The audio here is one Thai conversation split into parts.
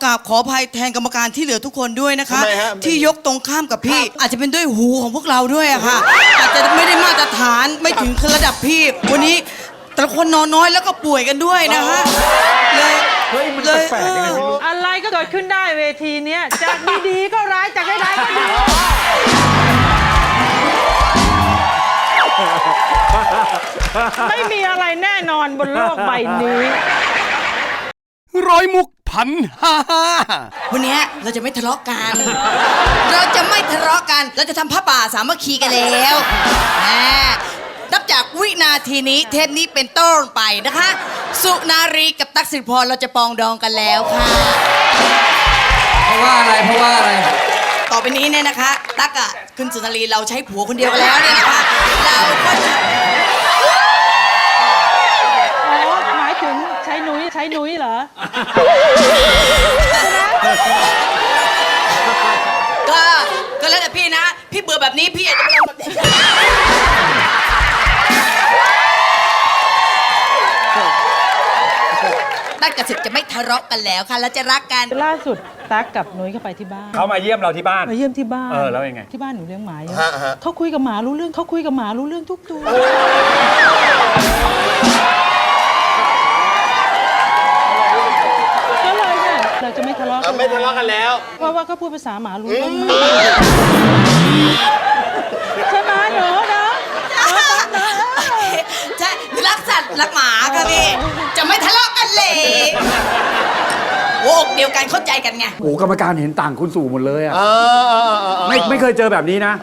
กราบขออภัยแทนกรรมการที่เหลือทุกคนด้วยนะคะที่ยกตรงข้ามกับพี่อาจจะเป็นด้วยหูของพวกเราด้วยอะค่ะอาจจะไม่ได้มาตรฐานไม่ถึงระดับพี่วันนี้แต่ละคนนอนน้อยแล้วก็ป่วยกันด้วยนะคะเลยแปลกๆยังไงไม่รู้อะไรก็เกิดขึ้นได้เวทีเนี้ยจากดีๆก็ร้ายจากร้ายๆก็ดีไม่มีอะไรแน่นอนบนโลกใบนี้ร้อยมุกพันห้าวันนี้เราจะไม่ทะเลาะกันเราจะทำผ้าป่าสามัคคีกันแล้วนับจากวินาทีนี้เทปนี้เป็นต้นไปนะคะสุนารีกับตั๊กสิริพรเราจะปองดองกันแล้วค่ะเพราะว่าอะไรต่อไปนี้เนี่ยนะคะตั๊กคุณสุนารีเราใช้ผัวคนเดียวกันแล้วเนี่ยนะคะเราก็จะหมายถึงใช้นุ้ยเหรอก็แล้วแต่พี่นะพี่เบื่อแบบนี้พี่อยากจะมาลองแบบนี้ตั๊กกับสิทธิ์จะไม่ทะเลาะกันแล้วค่ะแล้วจะรักกันล่าสุดตั๊กกับนุ้ยเข้าไปที่บ้านเขามาเยี่ยมเราที่บ้านมาเยี่ยมที่บ้านแล้วยังไงที่บ้านหนูเลี้ยงหมาอยู่เขาคุยกับหมารู้เรื่องทุกตัวก็เลยเนี่ยเราจะไม่ทะเลาะกันแล้วเพราะว่าเขาพูดภาษาหมารู้เรื่องใช่ไหมหนูนะใช่รักสัตว์รักหมาค่ะพี่จะไม่ทะเลาะกันเลยโอ้เดียวกันเข้าใจกันไงโอ้กรรมการเห็นต่างคุณสู่หมดเลยอ่ะไม่เคยเจอแบบนี้นะ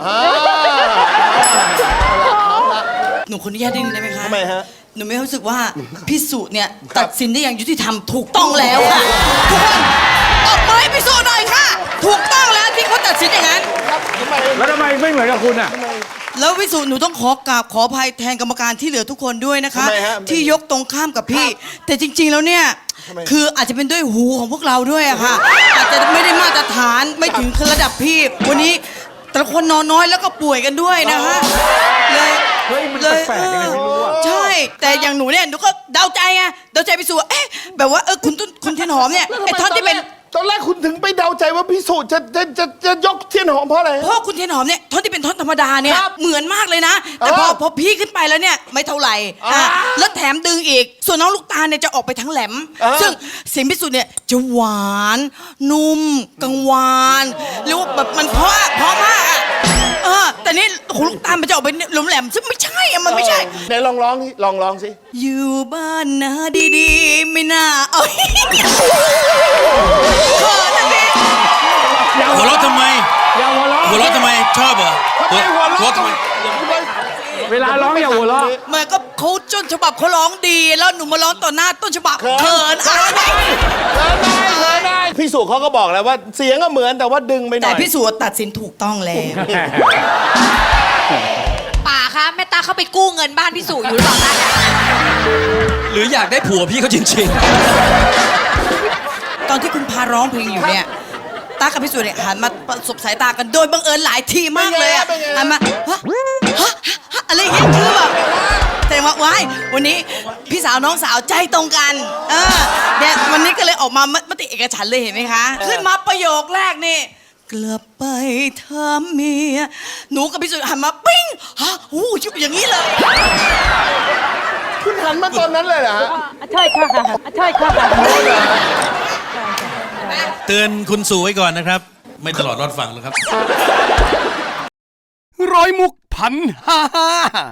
หนูคนนี้แย่ดิ้นได้ไหมคะทำไมฮะหนูไม่รู้สึกว่าพี่สุเนี่ยตัดสินได้อย่างยุติธรรมถูกต้องแล้วค่ะทุกคนตบมือให้พี่สุหน่อยค่ะถูกต้องแล้วที่เขาตัดสินอย่างนั้นแล้วทำไมไม่เหมือนกับคุณอ่ะแล้วพี่สุหนูต้องขออภัยแทนกรรมการที่เหลือทุกคนด้วยนะคะที่ยกตรงข้ามกับพี่แต่จริงๆแล้วเนี่ยคืออาจจะเป็นด้วยหูของพวกเราด้วยอะค่ะอาจจะไม่ได้มาตรฐานไม่ถึงระดับพี่วันนี้แต่ละคนนอนน้อยแล้วก็ป่วยกันด้วยนะคะเลยแปลกๆยังไงไม่รู้อะใช่แต่อย่างหนูเนี่ยหนูก็เดาใจไงเดาใจพี่สุแบบว่าคุณเทียนหอมเนี่ยไอ้ท่อนที่เป็นตอนแรกคุณถึงไปเดาใจว่าพี่สุจะยกเทียนหอมเพราะอะไรเพราะคุณเทียนหอมเนี่ยท่อนที่เป็นท่อนธรรมดาเนี่ยเหมือนมากเลยนะแต่พอพี่ขึ้นไปแล้วเนี่ยไม่เท่าไหร่แล้วแถมดึงอีกส่วนน้องลูกตาลเนี่ยจะออกไปทั้งแหลมซึ่งเสียงพี่สุเนี่ยจะหวานนุ่มกังวานหรือว่าแบบมันเพราะมากแต่นี่หูลูกตาลมันจะออกไปหลมแหลมซึ่งไม่ใช่มันไม่ใช่ไหนลองร้องสิอยู่บ้านนะดีๆไม่น่าเอาหัวเราะทำไมหัวเราะทำไมชอบเหรอหัวเราะทำไมเวลาร้องอย่าหัวเราะมันก็เขาต้นฉบับเขาร้องดีแล้วหนูมาร้องต่อหน้าต้นฉบับเขินได้พี่สุเขาก็บอกแล้วว่าเสียงก็เหมือนแต่ว่าดึงไปหน่อยแต่พี่สุตัดสินถูกต้องแล้วป่าคะแม่ตาเขาไปกู้เงินบ้านพี่สุอยู่หรือเปล่าคะหรืออยากได้ผัวพี่เขาจริงๆตอนที่คุณพาร้องเพลงอยู่เนี่ยตากับพี่สุเนี่ยหันมาประสบสายตากันโดยบังเอิญหลายทีมากเลยหันมาอะไรอย่างเงี้ยคือแบบแต่ว่าว้ายวันนี้พี่สาวน้องสาวใจตรงกันเนี่ยวันนี้ก็เลยออกมามติเอกฉันท์เลยเห็นไหมคะขึ้นมาประโยคแรกนี่กลับไปถามเมียหนูกับพี่สุหันมาปิ้งชุบอย่างนี้เลยคุณหันมาตอนนั้นเลยเหรอฮะใช่ค่ะเตือนคุณสู่ไว้ก่อนนะครับไม่ตลอดรอดฟังหรอกครับร้อยมุกพันห้า